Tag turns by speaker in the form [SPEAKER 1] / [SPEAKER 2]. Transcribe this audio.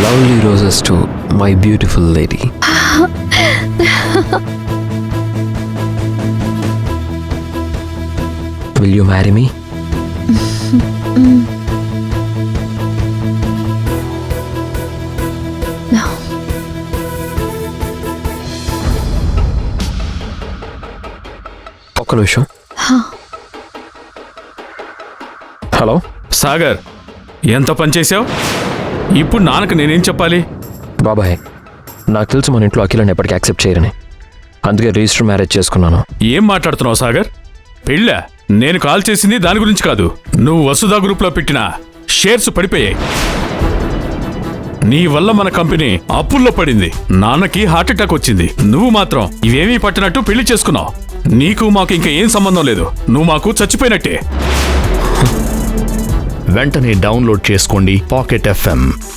[SPEAKER 1] Lovely roses to my beautiful lady. Will you marry me?
[SPEAKER 2] No.
[SPEAKER 1] ఒక్క నిమిషం. Hello
[SPEAKER 3] Sagar, ఎంత పనిచేసావు? ఇప్పుడు నాన్నకు నేనేం చెప్పాలి?
[SPEAKER 1] బాబాయ్, నాకు తెలుసు మన ఇంట్లో అఖిలని ఎప్పటికీ యాక్సెప్ట్ చేయరని. అందుకే రిజిస్టర్ మ్యారేజ్ చేసుకున్నాను.
[SPEAKER 3] ఏం మాట్లాడుతున్నావు సాగర్? పెళ్ళా? నేను కాల్ చేసింది దాని గురించి కాదు. నువ్వు వసుధా గ్రూప్లో పెట్టిన షేర్స్ పడిపోయాయి. నీ వల్ల మన కంపెనీ అప్పుల్లో పడింది. నాన్నకి హార్ట్ అటాక్ వచ్చింది. నువ్వు మాత్రం ఇవేమీ పట్టినట్టు పెళ్లి చేసుకున్నావు. నీకు మాకు ఇంకా ఏం సంబంధం లేదు. నువ్వు మాకు చచ్చిపోయినట్టే.
[SPEAKER 4] వెంటనే డౌన్లోడ్ చేసుకోండి పాకెట్ FM.